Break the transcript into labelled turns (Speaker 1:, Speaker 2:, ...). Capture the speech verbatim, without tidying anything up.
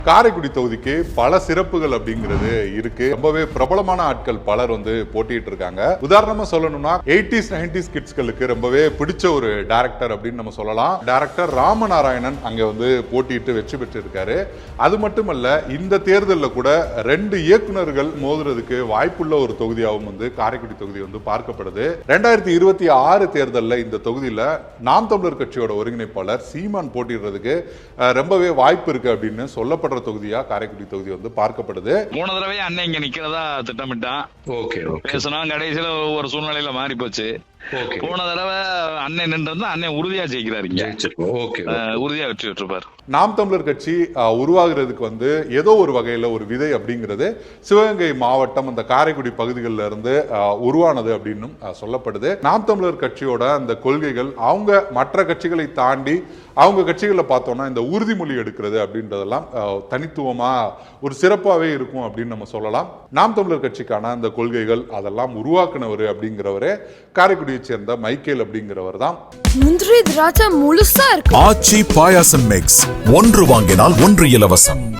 Speaker 1: காரைக்குடி தொகுதிக்கு பல சிறப்புகள் அப்படிங்கிறது இருக்கு. ரொம்பவே பிரபலமான ஆட்கள் பலர் வந்து போட்டிட்டு இருக்காங்க. உதாரணமா சொல்லணும்னா எயிட்டிஸ் நைன்டிஸ் கிட்ஸ்களுக்கு ரொம்பவே பிடிச்ச ஒரு டைரக்டர் அப்படின்னு நம்ம சொல்லலாம். டைரக்டர் ராமநாராயணன் அங்க வந்து போட்டியிட்டு வெற்றி பெற்று இருக்காரு. அது மட்டுமல்ல, இந்த தேர்தலில் கூட ரெண்டு இயக்குநர்கள் மோதுறதுக்கு வாய்ப்புள்ள ஒரு தொகுதியாகவும் வந்து காரைக்குடி தொகுதி வந்து பார்க்கப்படுது. ரெண்டாயிரத்தி இருபத்தி ஆறு தேர்தலில் இந்த தொகுதியில நாம் தமிழர் கட்சியோட ஒருங்கிணைப்பாளர் சீமான் போட்டிடுறதுக்கு ரொம்பவே வாய்ப்பு இருக்கு அப்படின்னு சொல்லப்பட்ட தொகுதியா காரைக்குடி தொகுதி வந்து பார்க்கப்படுது.
Speaker 2: போன தடவை அண்ணன் இங்க நிக்கிறதா திட்டமிட்டான்.
Speaker 3: ஓகே ஓகே
Speaker 2: பேசினா கடைசியில ஒரு சூழ்நிலையில மாறி போச்சு. போன தடவை அண்ணன் நின்று அண்ணன் உறுதியா ஜெயிக்கிறாரு. உறுதியா வெற்றி பெற்றிருப்பார்.
Speaker 1: நாம் தமிழர் கட்சி உருவாகிறதுக்கு வந்து ஏதோ ஒரு வகையில ஒரு விதை அப்படிங்கிறது சிவகங்கை மாவட்டம் அந்த காரைக்குடி பகுதிகளில் இருந்து உருவானது அப்படின்னு சொல்லப்படுது. நாம் தமிழர் கட்சியோட அந்த கொள்கைகள் அவங்க மற்ற கட்சிகளை தாண்டி அவங்க கட்சிகளை பார்த்தோம்னா இந்த உறுதிமொழி எடுக்கிறது அப்படின்றதெல்லாம் தனித்துவமா ஒரு சிறப்பாகவே இருக்கும் அப்படின்னு நம்ம சொல்லலாம். நாம் தமிழர் கட்சிக்கான அந்த கொள்கைகள் அதெல்லாம் உருவாக்குனவர் அப்படிங்கிறவரே காரைக்குடியை சேர்ந்த மைக்கேல் அப்படிங்கிறவர் தான்.
Speaker 4: முந்திரி திராட்சை முழுசா இருக்கு.
Speaker 5: ஆச்சி பாயாசம் மிக்ஸ் ஒன்று வாங்கினால் ஒன்று இலவசம்.